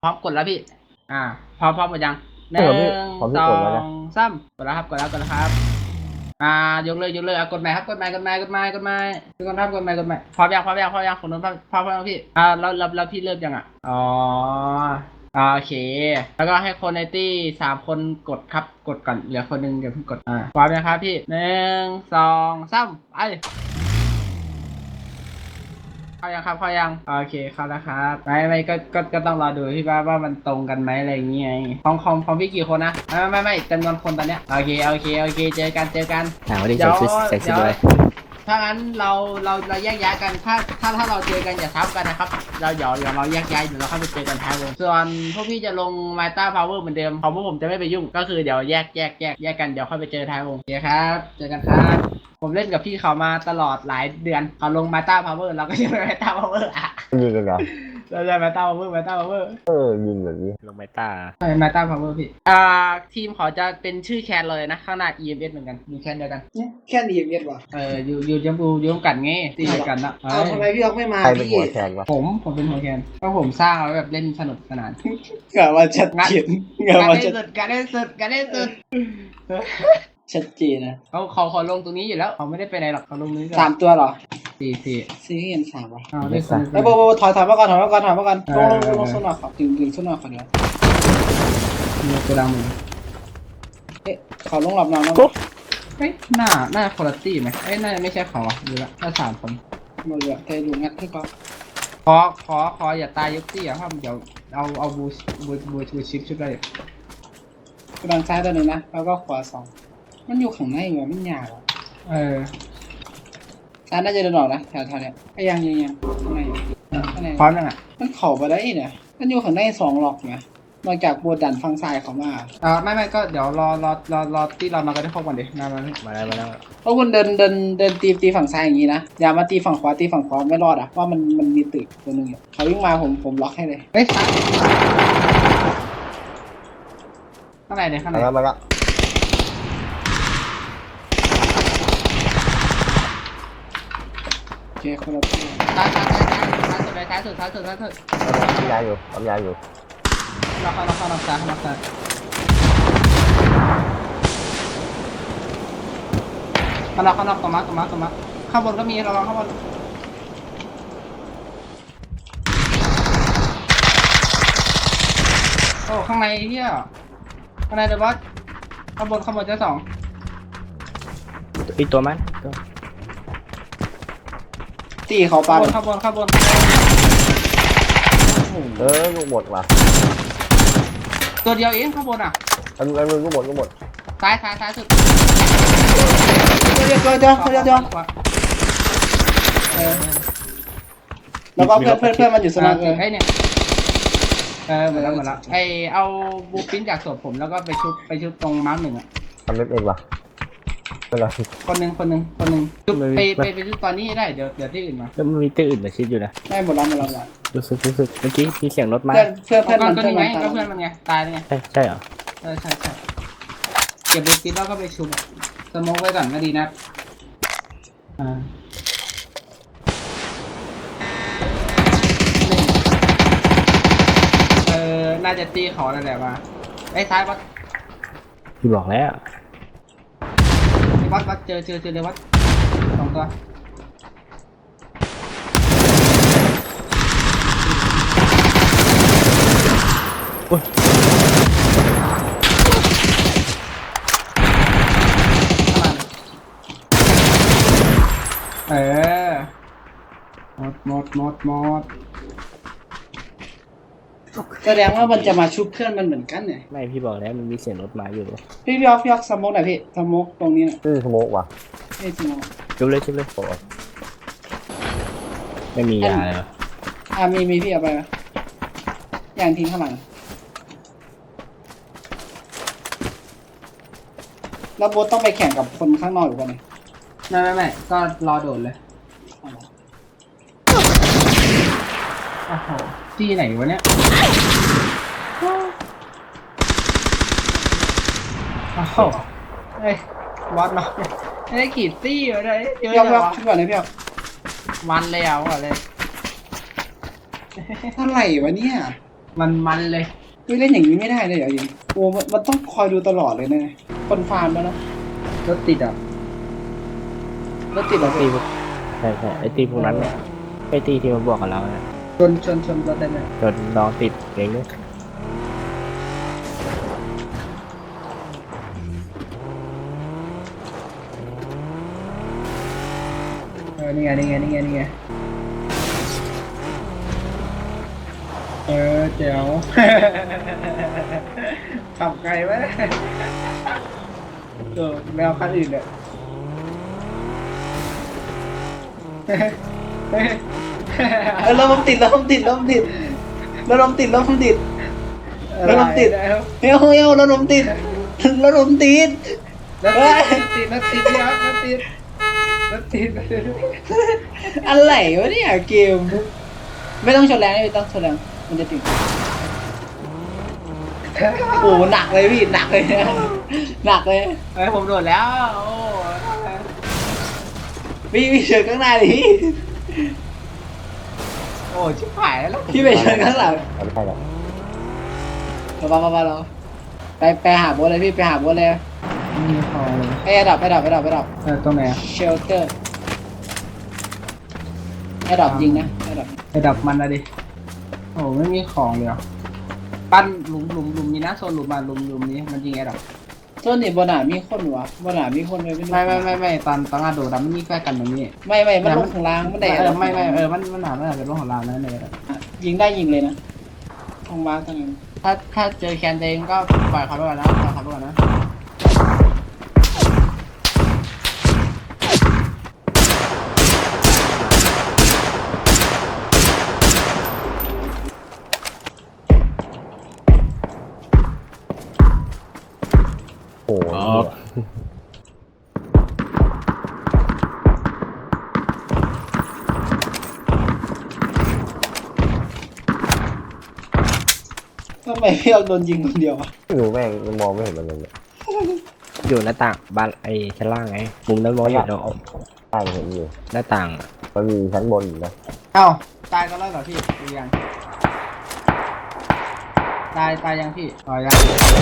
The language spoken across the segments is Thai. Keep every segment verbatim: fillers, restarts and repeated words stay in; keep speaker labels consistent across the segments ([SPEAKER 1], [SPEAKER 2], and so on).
[SPEAKER 1] พร้อมกดแล้วพี่อ่าพร้อมพร้อมหมดยังหนึ่งสองสามกดแล้วครับกดแล้วกดแล้วครับอ่ายกเลยยกเลยอ่ะกดใหม่ครับกดใหม่กดใหม่กดใหม่กดใหม่ทุกคนครับกดใหม่กดใหม่พร้อมยังพร้อมยังพร้อมยังคนนู้นพร้อมพร้อมแล้วพี่อ่าแล้วแล้วแล้วพี่เริ่มยังอ่ะอ๋อโอเคแล้วก็ให้คนในตี้สามคนกดครับกดก่อนเหลือคนนึงเดี๋ยวเพิ่งกดอ่าพร้อมยังครับพี่หนึ่งสองสามไปเข้ายังครับเข้ายังโอเคเข้าแล้วครับไม่ไม่ก็ก็ก็ต้องรอดูพี่ว่าว่ามันตรงกันไหมอะไรอย่างเงี้ยของของของพี่กี่คนนะไม่ไม่ไม่จำนวนคนตอนเนี้ยโอเคโอเคโอเคเจอกันเจอกัน
[SPEAKER 2] หาว่าได้ใส่ชุดใส่ชุดด้วย
[SPEAKER 1] ถ้างั้นเราเราเราแยกย้ายกันถ้าถ้าถ้าเราเจอกันอย่าทับกันนะครับเราเดี๋ยวเดี๋ยวเราแยกย้ายเดี๋ยวเราเข้าไปเจอกันท้ายวงส่วนพวกพี่จะลงมาต้าพาวเวอร์เหมือนเดิมของพวกผมจะไม่ไปยุ่งก็คือเดี๋ยวแยกแยกแยกแยกกันเดี๋ยวค่อยไปเจอท้ายวงโอเคครับเจอกันครับผมเล่นกับพี่เขามาตลอดหลายเดือนเขาลงมาต้าพาวเวอร์เราก็ยังไม่มาต้าพาวเวอร์อ่ะ
[SPEAKER 3] ยิงกันเหรอ
[SPEAKER 1] เราจะมาต้าพาวเวอร์มาต้าพาวเวอร์
[SPEAKER 3] เออยิงแบบนี้
[SPEAKER 2] ลงไมต้า
[SPEAKER 1] ใช่มาต้าพาวเวอร์พี่อ่าทีมเขาจะเป็นชื่อแคนเลยนะข้างหน้า อี เอ็ม เอส เหมือนกันมีแคนเดียวกัน
[SPEAKER 4] แค่ดีเอ็มวะ
[SPEAKER 1] เอออยู่อยู่จมูอยู่กันไงตีกันนะ
[SPEAKER 4] เอาทำไมพี่ออกไม่มา
[SPEAKER 3] ใครเป็นหั
[SPEAKER 4] พี่
[SPEAKER 3] วแทนวะ
[SPEAKER 1] ผมผมเป็นหัวแคนก็ผมสร้างแล้วแบบเล่นสนุกสนาน
[SPEAKER 4] กะว่าชัดเจนกะ
[SPEAKER 1] การ
[SPEAKER 4] ว่า
[SPEAKER 1] ได้
[SPEAKER 4] ชัด
[SPEAKER 1] สุดการได้สุดการได้สุด
[SPEAKER 4] ชัดเจนนะ
[SPEAKER 1] เขาเขาเขาลงตรงนี้อยู่แล้วเขาไม่ได้ไปไหนหรอกเขาลงนี้
[SPEAKER 4] สามตัวเหรอ
[SPEAKER 1] สี่สี่
[SPEAKER 4] ซีเห็นสามวะ
[SPEAKER 1] อ้าวได้คน
[SPEAKER 4] แล้วโบโบถอยถอยมาก่อนถอยมาก่อนถอยมาก่อนลงลงลงโซนหน่อยขอดึงดึงโซนหน่อยขอเดียว
[SPEAKER 1] มีตัวดำมือ
[SPEAKER 4] เอ๊ะขอลงหลับนอนแล้ว
[SPEAKER 1] เฮ้ยหน้าหน้าคุณภาพไหมเอ้ยน่าไม่ใช่เขาอ่ะดูละถ้าสามคน
[SPEAKER 4] มาเหลือใจดูงัดให้ก่อน
[SPEAKER 1] ขอขอขออย่าตายยกตี้อ่ะครับเดี๋ยวเอาเอาบูบูบูบูชิปชุดได้
[SPEAKER 4] กำลังซ้ายตัวหนึ่งนะแล้วก็ขวาสองมันอยู่ข้างในเหรอมันยาว
[SPEAKER 1] เออ
[SPEAKER 4] ซ้ายน่าจะเดินออกนะแถวแถวเนี้ยไอ้ยังยังยังข้างในข้างใน
[SPEAKER 1] พร้อมยังอ่ะ
[SPEAKER 4] มันเข่าไปได้เนี่ยมันอยู่ข้างในสองหลอกไงนอกจากบวดันฟังซ้ายเขามา
[SPEAKER 1] อ่าไม่ไม่ก็เดี๋ยวรอรอรอรอที่เรามากันได้ครบก่อนดิมามา
[SPEAKER 2] มาแล้วมาแล้ว
[SPEAKER 4] เพราะคุณเดินเดินเดินตีตีฝั่งซ้ายอย่างนี้นะอย่ามาตีฝั่งขวาตีฝั่งขวาไม่รอดอ่ะว่ามันมันมีตึกตัวหนึงอยู่เขาวิ่งมาผมผมล็อกให้เลย
[SPEAKER 1] เฮ้ยซ้ายข้างในเนี่ยข้างใน
[SPEAKER 3] มาแล้วมาแล้ว
[SPEAKER 4] โอเคคนละตัว
[SPEAKER 1] ซ้ายซ้ายซ้ายซ้ายสุดเลยซ้ายสุดซ้ายสุดซ้ายสุด
[SPEAKER 3] ทำยาอยู่ทำยาอยู่
[SPEAKER 1] ล็อกล็อกล็อกซ้ายล็อกซ้ายข้างนอกข้างนอกตรงมาตรงมาตรงมาข้างบนก็มีระวังข้างบนโอ้ข้างในเฮียข้างในเดอะบอสข้างบนข้างบนเจ้าสอง
[SPEAKER 2] อีกตัวมัน
[SPEAKER 4] ตีเขาปา
[SPEAKER 1] ข้างบนข้างบนข้างบน
[SPEAKER 3] เออลูกหมดว่ะ
[SPEAKER 1] ตัวเดียวเองข้างบนอ่ะ
[SPEAKER 3] อันอันนึงก็หมดก็หมด
[SPEAKER 1] ซ้ายซ้ายซ้ายสุด
[SPEAKER 4] เดี๋ยวเดี๋ยวเดี๋ยวเดี๋ยวเดี๋ยวแล้วก็เพื่อนเพื่อนเพื่อนมันอยู่สนาม
[SPEAKER 1] เออไอเนี่ยเออหมดแล้วหมดแล้วไอเอาบูปิ้นจากศพผมแล้วก็ไปชุบไปชุบตรงมาร์กหนึ่งอ่ะ
[SPEAKER 3] ทำเล็บเองว่ะเป็นไร
[SPEAKER 1] คนหนึ่งคนหนึ่งคนหนึ่งชุบไปไปไปชุบตอนนี้ได้เดี๋ยวเดี๋ยวที่อื่นมา
[SPEAKER 2] แล้วมันมีตื้ออื่นมาชิดอยู่นะ
[SPEAKER 4] ได้หมดแล้วหมดแล้วหมดแล้ว
[SPEAKER 2] รู้สึกรู้สึกเมื่อกี้มีเสียงรถมา
[SPEAKER 4] เพื่อนเพื่อน
[SPEAKER 1] เพื่
[SPEAKER 4] เพื่
[SPEAKER 1] อ
[SPEAKER 4] อน น
[SPEAKER 1] มั
[SPEAKER 4] มัน น
[SPEAKER 1] ก็
[SPEAKER 4] เพื่อน
[SPEAKER 1] นี่ไง
[SPEAKER 4] มัน
[SPEAKER 1] ก็เพื่อนมันไงตายแล้วไง
[SPEAKER 2] ใช่ใช่เหรอ
[SPEAKER 1] เออใช่ใช่เก็บบูปิ้นแล้วก็ไปชุบสโมกไว้ก่อนก็ดีนะอ่าเออน่าจะตีเขาอะไรแหละมาไอ้ซ้ายวัด
[SPEAKER 2] พี่บอกแล้ว
[SPEAKER 1] วัดวัดเจอเจอเจอเลยวัดสองตัวเออหมดหมดหมดหมด
[SPEAKER 4] แสดงว่ามันจะมาชุบเพื่อนมันเหมือนกันเนี่ย
[SPEAKER 2] ไม่พี่บอกแล้วมันมีเสียงรถมาอยู่
[SPEAKER 4] พี่พี่ออกพี่ออกสโมกหน่อยพี่สโมกตรงนี้หน่อย
[SPEAKER 3] ชื่อสโมกว่ะ
[SPEAKER 4] นี่สโมก
[SPEAKER 2] จุบเลยจุบเลย
[SPEAKER 3] โอ้ย
[SPEAKER 2] ไม่มียาเลยเหรอ
[SPEAKER 4] อ่ามีมีพี่เอาไปไหมอย่างทิ้งข้างหลังแล้วโบ๊ทต้องไปแข่งกับคนข้างนอกอยู่ป่ะเนี่ย
[SPEAKER 1] ไม่ไม่ไม่ก็รอโดดเลยโอ้โหที่ไหนวะเนี่ยโอ้โหเฮ้ยวัดมาไม่ได้ขีดตี้วะเลยเยอะ
[SPEAKER 4] พี่ออก
[SPEAKER 1] จั
[SPEAKER 4] พี่
[SPEAKER 1] ง
[SPEAKER 4] ออก
[SPEAKER 1] วะ
[SPEAKER 4] ขึ้นก่อนเลยพี่ออก
[SPEAKER 1] มันเลยเอาก่อนเลย
[SPEAKER 4] อะไรวะเนี่ย
[SPEAKER 1] มันมันเลย
[SPEAKER 4] เฮ้ยเล่นอย่างนี้ไม่ได้เลยเหรอยิงโอ้มันมันต้องคอยดูตลอดเลยนะคนฟาร์มแล้วนะ
[SPEAKER 1] รถติดอ่ะ
[SPEAKER 4] รถติดเหรอ
[SPEAKER 2] ตี
[SPEAKER 4] พี่
[SPEAKER 2] พวกใช่ใช่ไอตีพวกนั้นเนี่ยไอตีที่มันบอกกับเราเนี่ย
[SPEAKER 1] ชนชนชนรถได้ไหม
[SPEAKER 2] จนน้องติดเองเนี่ย
[SPEAKER 1] เออนี่ไงนี่ไงนี่ไงนี่ไงเออเจ๋ว ขับไกลไหมเออแมวคันอื่นเนี่ย
[SPEAKER 4] เออรถผมติดรถผมติดรถผมติดรถผมติดรถผมติดรถผมติด
[SPEAKER 1] แล้ว
[SPEAKER 4] เฮ้ยเฮ้ยรถผมติดรถผมติด
[SPEAKER 1] รถ
[SPEAKER 4] เฮ้ย
[SPEAKER 1] ติดรถติดรถติดรถติดรถติด
[SPEAKER 4] อะไรวะเนี่ยเกมไม่ต้องชนแรงไม่ต้องชนแรงมันจะติดโอ้หนักเลยพี่หนักเลยหนักเลย
[SPEAKER 1] เฮ้ยผมโดดแล้วโอ้
[SPEAKER 4] พี่พี่เชิญข้างหน้าดิพี่
[SPEAKER 1] โอ้ชิบหายแล้ว
[SPEAKER 4] พี่ไปเชิญข้างหลัง
[SPEAKER 3] เอาไม่ใช่หรอก
[SPEAKER 4] มาบ้ามาบ้าเราไปไปหาโบสเลยพี่ไปหาโบสเลย
[SPEAKER 1] มีพอเลย
[SPEAKER 4] ไอ้ดับไอ้ดับไอ้ดับไอ้ดับ
[SPEAKER 1] เออตรงไหนอะ
[SPEAKER 4] เชลเตอร์ไอ้ดับยิงนะไอ้ดับ
[SPEAKER 1] ไอ้ดับมันอะดิโอ้ไม่มีของเลยอะปั้นหลุมหลุมหลุมนี้นะโซนหลุมมาหลุมหลุมนี้มันยิงไอ้ดับ
[SPEAKER 4] ต้นนี่บนหนามีคนวะบนหนามีคนเลย
[SPEAKER 1] ไม่ไม่ไม่ไม่ตอนตอนอาโดดอะมันมีแค่กันตรงนี้
[SPEAKER 4] ไม่ไม่มันลงข้างล่างมันได้
[SPEAKER 1] เออไม่ไม่เออมันมันหนามันหนาเป็นเรื่องของเรานั่นเลยอะ
[SPEAKER 4] ยิงได้ยิงเลยนะทองว้างตั้งนั้น
[SPEAKER 1] ถ้าถ้าเจอแคนเตงก็ปล่อยเขาไปก่อนนะปล่อยเขาไปก่อนนะ
[SPEAKER 3] โอ้โห
[SPEAKER 4] ทำไมพี่เอาโดนยิงคนเดียวอะ
[SPEAKER 3] ไม่รู้แม่งยังมองไม่เห็นมันเลยเนี่ย
[SPEAKER 2] อยู่หน้าต่างบ้านไอชั้นล่างไงมุมนั้นมองอยู่เนาะ
[SPEAKER 3] ใช่มันเห็นอยู่
[SPEAKER 2] หน้าต่างอะ
[SPEAKER 3] มันมีชั้นบนอยู่นะ
[SPEAKER 1] เอ้าตายก็แล้วเหรอพี่ดูยังตายตายยังพี่อ๋อยัง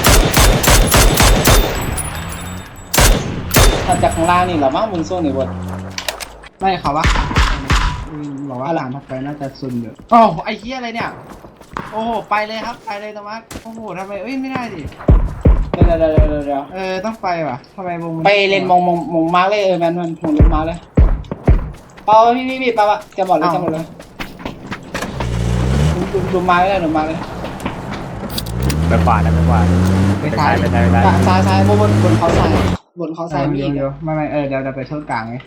[SPEAKER 4] ถัดจากข้างล่างนี่เหรอมั้งมึงโซ่หนึ่งบน
[SPEAKER 1] ไม่เขาวะอืมบอกว่าหลานทักไปน่าจะซุนอยู่โอ้าไอ้เหี้ยอะไรเนี่ยโอ้โหไปเลยครับไปเลยตะมักโอ้โหทำไมเอ้ยไม่ได้ดิ
[SPEAKER 4] เดี๋ยวเดี๋ยวเดี๋ยวเดี๋ยวเดี๋ยว
[SPEAKER 1] เออต้องไปว่ะทำไมวงมัน
[SPEAKER 4] ไปเล่นมองมองมองมาร์กเลยเออแมนมันมองเล่นมาร์กเลยเปล่าพี่พี่พี่เปล่าวะจะหมดเลยจะหมดเลยดูดูมาร์กเลยดูมาร์กเลย
[SPEAKER 2] ไปขวาได้ไปขวา
[SPEAKER 1] ไปซ้าย
[SPEAKER 2] ไปซ้ายไปซ้าย
[SPEAKER 4] ซ้ายซ้ายบนบนบนเขาซ้ายบนเขาซ้ายมี
[SPEAKER 1] เดี๋
[SPEAKER 4] อี
[SPEAKER 1] ยว
[SPEAKER 4] ก
[SPEAKER 1] เดี๋ยวไม่ไม่เออเดี๋ยวเดี๋ยวไปโทษกลางไง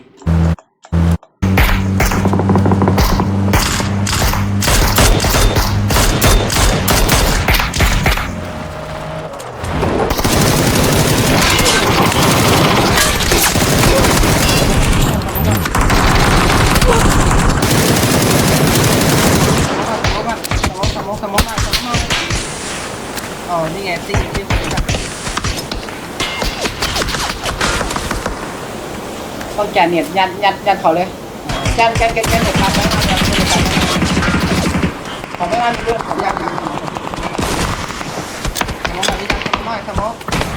[SPEAKER 1] สมองสมองสมองมาสมองอ๋อนี่ไงติ๊กติ๊กติ๊ก
[SPEAKER 4] ต้องแกนเน็ตยันยันยันเขาเลยยันแกนแกนแกนเน็ตครับแล้วยันยันยันเขาไม่อันเรื่องเขายันยัน
[SPEAKER 1] สมองแบบนี้สมองสมอง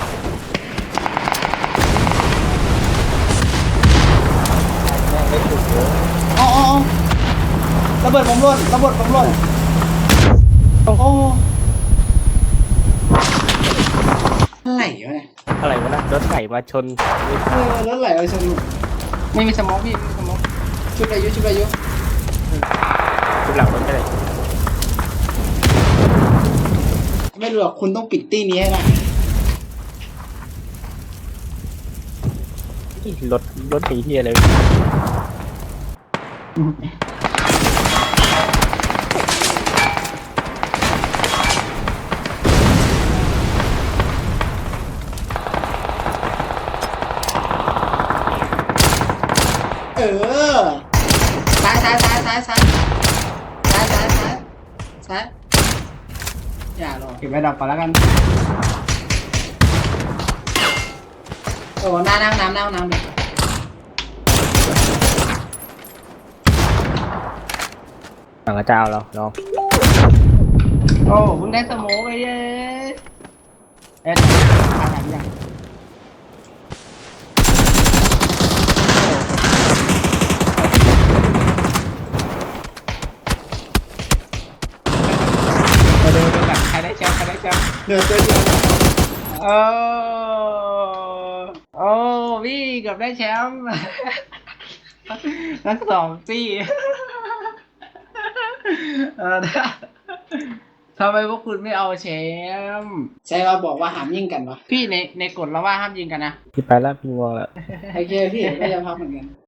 [SPEAKER 4] อ๋ออ๋อระเบิดผมหล่นระเบิดผมหล่นโอ้อะไรวะเนี่ย
[SPEAKER 2] อะไรวะนะรถไหลมาชน
[SPEAKER 4] เออแล้วไหลเอาชน
[SPEAKER 1] ไม่มีสมองพี่ไม่มีสมอง
[SPEAKER 4] ชุดอายุชุดอายุ
[SPEAKER 2] ทุกหลังรถไปเลย
[SPEAKER 4] ไม่รู้หรอกคุณต้องปิดตี้นี้ให้ได้
[SPEAKER 2] รถรถสีที่อะไร
[SPEAKER 4] เออซ้ายซ้ายซ้ายซ้ายซ้ายซ้ายซ้ายซ้ายซ้ายอย่าหรอก
[SPEAKER 1] เก็บไว้ดับก่อนแล้วกัน
[SPEAKER 4] โอ้น้ำน้ำน้ำน้ำน้ำเลย
[SPEAKER 2] หลังกระเจ้าเราน้อง
[SPEAKER 1] โอ้มึงได้สโมกไอ้เย้เอ๊ะทางไหนยังมาดูดูกันใครได้แชมป์ใครได้แชมป์
[SPEAKER 4] เหลือตัวเดียว
[SPEAKER 1] โอ้โอ้พี่เกือบได้แชมป์ ทั้งสองซี่เออทำไมพวกคุณไม่เอาแชมป์
[SPEAKER 4] ใช่ว่าบอกว่าห้ามยิงกันวะ
[SPEAKER 1] พี่ในในกฎเราว่าห้ามยิงกันนะ
[SPEAKER 2] พี่ไปแล้วพี่งวงแล้ว
[SPEAKER 4] โอเคพี่ก็จะพักเหมือนกัน